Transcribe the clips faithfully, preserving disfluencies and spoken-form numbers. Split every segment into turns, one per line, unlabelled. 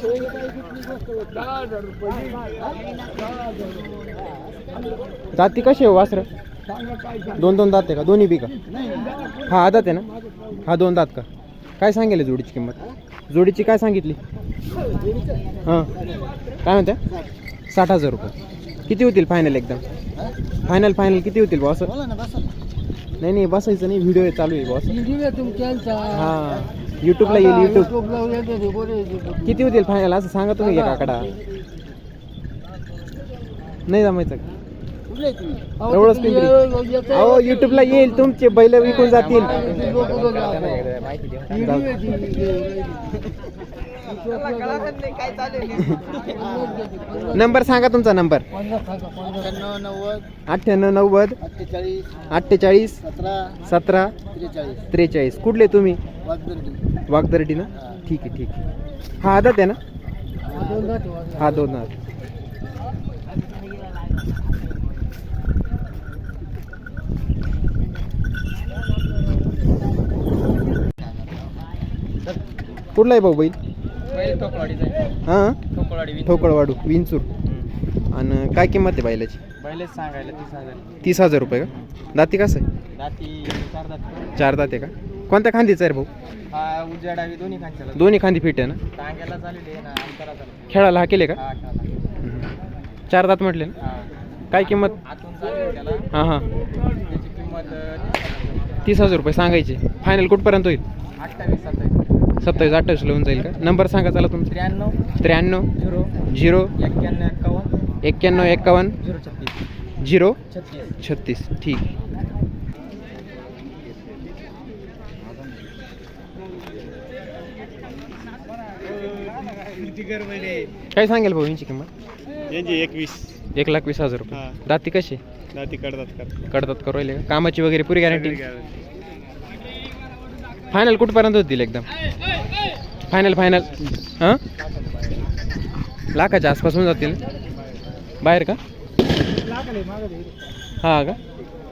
जाती कशी आहे वासर? दोन दोन दात आहे का? दोन्ही बी का? हा आदात आहे ना? हा दोन दात का? काय सांगेल जोडीची किंमत? जोडीची काय सांगितली? हां काय म्हणत्या? साठ हजार रुपये. किती होतील फायनल? एकदम फायनल फायनल किती होतील बॉस? नाही नाही बसायचं नाही, व्हिडिओ चालू आहे बॉस. हां यूट्यूबला येईल. यूट्यूब किती होतील फायनल असं सांगा तुम्ही एका आकडा. नाही जमायचं एवढंच पिंपरी. अहो यूट्यूबला येईल, तुमचे बैल विकून जातील. नंबर सांगा तुमचा. नंबर अठ्ठ्याण्णव नव्वद अठ्ठेचाळीस सतरा त्रेचाळीस. कुठले तुम्ही? वागदर्डी ना? ठीक आहे ठीक आहे. हा आदत आहे ना? हा दोन दात. कुठला आहे भाऊ बैल? हां ठोकळवाडू विंचूर. आणि काय किंमत आहे बैलाची?
बैलच सांगायला तीस हजार.
तीस हजार रुपये का? दाती कसं आहे?
दाती चार दात.
चार दात आहे का? कोणत्या खांदीचा आहे भाऊ?
हा उजव्या डावी दोन्ही खांद्याला.
दोन्ही खांदी फिट आहे ना?
टांग्याला चालले ना अंतराचा.
खेळायला हा केले का?
हा खेळायला.
चार दात म्हटले ना?
हा.
काय किंमत?
आतून चालू त्याला.
हां हां
त्याची किंमत
तीस हजार रुपये सांगायचे. फायनल कुठपर्यंत होईल?
अठ्ठावीस सत्तावीस
सत्तावीस अठ्ठावीस होऊन जाईल का? नंबर सांगा चला तुमचा.
त्र्याण्णव
त्र्याण्णव
झिरो
झिरो
एक्क्याण्णव एक्कावन्न
एक्क्याण्णव एक्कावन्न
झिरो छत्तीस
झिरो
छत्तीस
छत्तीस. ठीक आहे. काय सांगेल भाऊ यांची किंमत?
यांची एकवीस.
एक लाख वीस हजार रुपये. दाती कशी?
दाती कडतात
कडतात करू राहिले का? कामाची वगैरे पुरी गॅरंटी? फायनल कुठपर्यंत होतील एकदम? फायनल फायनल हां लाखाच्या आसपास होऊन जातील बाहेर का? हां का?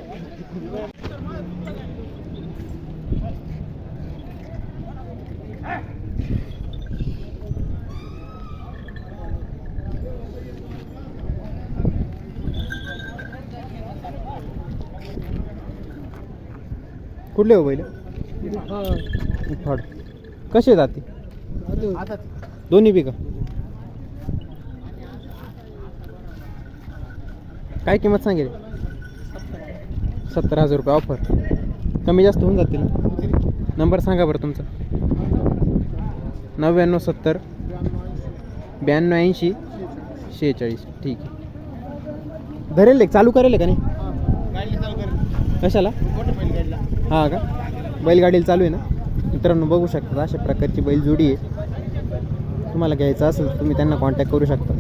कुठले हो बैल? फड कसे जाते? दोन्ही बी का? काय किंमत सांगेल? सत्तर हजार रुपये ऑफर. कमी जास्त होऊन जातील. नंबर सांगा बरं तुमचा. नव्याण्णव सत्तर ब्याण्णव ऐंशी शेहेचाळीस. ठीक आहे. धरेल एक चालू करेल का नाही? कशाला? हां का? बैलगाडीला चालू आहे ना? मित्रांनो बघू शकता अशा प्रकारची बैलजोडी आहे. तुम्हाला घ्यायचं असेल तर तुम्ही त्यांना कॉन्टॅक्ट करू शकता.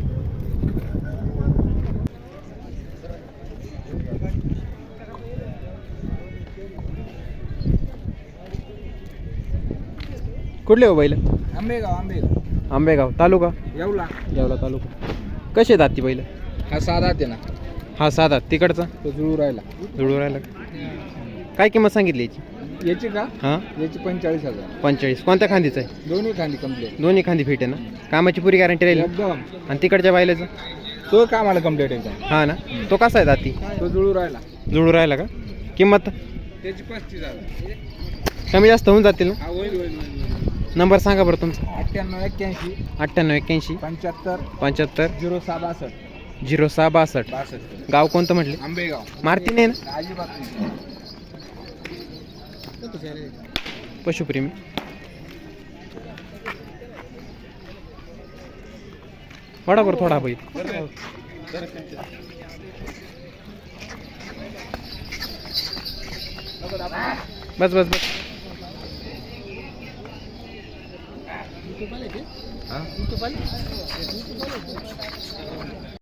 कुठले हो बैल?
आंबेगाव. आंबेगाव
आंबेगाव तालुका?
येवला.
येवला तालुका. कसे आहेत ती बैल?
हा साधा आहे ना.
हा साधा. तिकडचा
तो जुळू राहिला.
जुळू राहिला. काय किंमत सांगितली याची?
याची का?
हां
याची पंचेचाळीस हजार.
पंचेचाळीस. कोणत्या खांदीचा आहे?
दोन्ही खांदी कंप्लीट.
दोन्ही खांदी फिट आहे ना? कामाची पुरी गॅरंटी राहील?
एकदम.
आणि तिकडच्या बैलाचं?
तो कामाला कंप्लीट आहे.
हा ना? तो कसा आहे दाती?
तो जुळू राहिला.
जुळू राहिला का? किंमत
त्याची पस्तीस हजार.
कमी जास्त होऊन जातील ना?
हा होईल होईल होईल.
नंबर सांगा बरं तुमचा.
अठ्ठ्याण्णव एक्क्याऐंशी
अठ्ठ्याण्णव एक्क्याऐंशी
पंच्याहत्तर
पंच्याहत्तर
झिरो सहा बासष्ट
झिरो सहा बासष्ट.
बासष्ट.
गाव कोणतं म्हटले?
आंबेगाव.
मारती नाही ना?
अजिबात नाही.
पशुप्रेमी. वडा बरं थोडा बैल. बस बस बस.